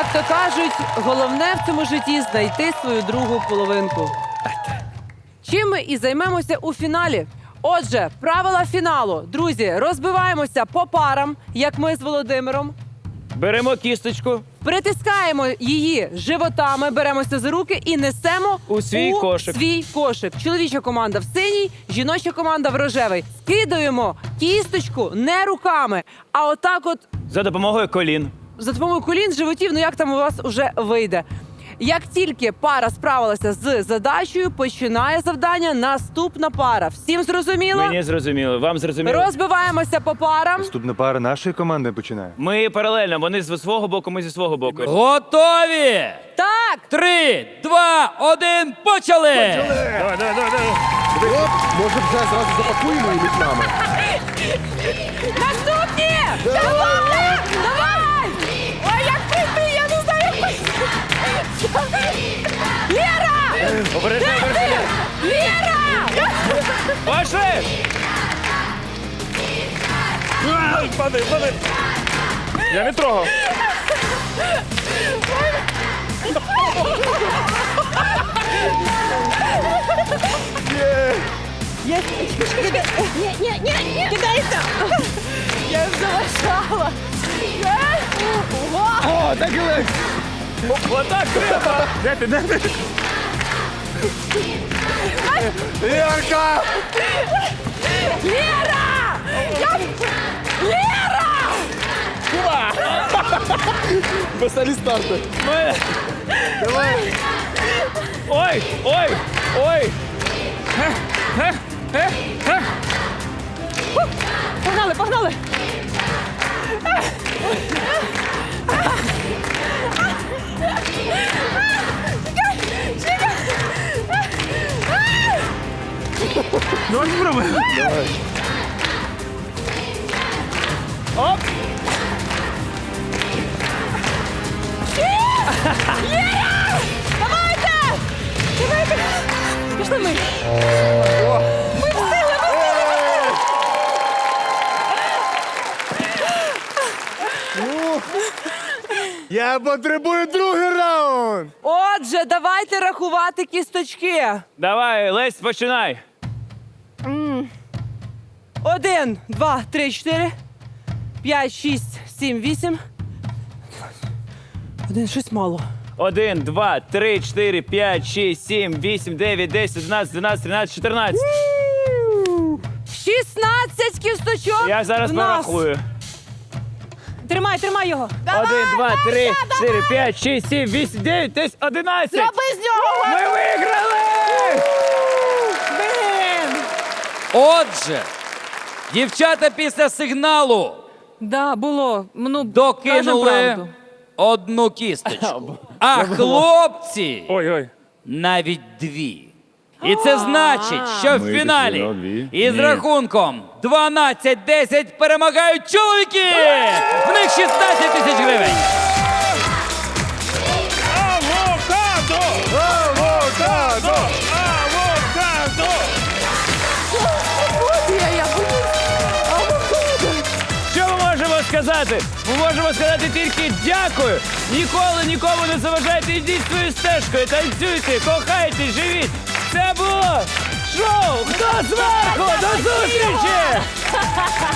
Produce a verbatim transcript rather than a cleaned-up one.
Як то кажуть, головне в цьому житті знайти свою другу половинку. Чим ми і займемося у фіналі. Отже, правила фіналу. Друзі, розбиваємося по парам, як ми з Володимиром. Беремо кісточку. Притискаємо її животами, беремося за руки і несемо У свій кошик. свій кошик. Чоловіча команда в синій, жіноча команда в рожевий. Скидаємо кісточку не руками, а отак от За допомогою колін. за допомогою колін, животів, ну як там у вас уже вийде. Як тільки пара справилася з задачею, починає завдання наступна пара. Всім зрозуміло? Мені зрозуміло. Вам зрозуміло? Розбиваємося по парам. Наступна пара нашої команди починає. Ми паралельно. Вони зі свого боку, ми зі свого боку. Готові! Так! Три, два, один, почали! Давай, давай, давай, давай. Оп, може вже зразу запакуємо і між нами. Наступні! Давай! Давай! Ой, як прийти, я не знаю, як прийти. Лєра! Обережно, обережно. Лєра! Пошли! Падай, падай. Я не трогав. Ні, ні, ні, ні! Кидайся! Я залишала. О, так і легко. Отак треба. Де ти, де ти? Ярка! Лєра! Я... Лєра! Веселі старти. Ми- Ой, ой, ой. Погнали, погнали! Давай спробуємо. Давай. Оп. Давайте! Давайте! Пішли ми! Я потребую другий раунд. Отже, давайте рахувати кісточки. Давай, Лесь, починай. Один, два, три, чотири, п'ять, шість, сім, вісім. Один, щось мало. Один, два, три, чотири, п'ять, шість, сім, вісім, дев'ять, десять, одинадцять, дванадцять, тринадцять, чотирнадцять. шістнадцять кісточок. Я зараз в нас. порахую. Тримай, тримай його. Один, два, три, чотири, п'ять, шість, сім, вісім, дев'ять, десять, одинадцять. Зроби з нього. Ми виграли! Блін. Отже, дівчата після сигналу Да, було. Ну, кажемо докинули правду. одну кісточку, а хлопці Ой, ой. навіть дві. І це значить, що в Ми фіналі дійсно дві. із Ні. рахунком дванадцять десять перемагають чоловіки! В них шістнадцять тисяч гривень. Авокадо! Авокадо! Авокадо! Що ми можемо сказати? Ми можемо сказати тільки дякую. Ніколи нікому не заважайте, йдіть своєю стежкою, танцюйте, кохайте, живіть. Це було шоу «Хто зверху?» До зустрічі!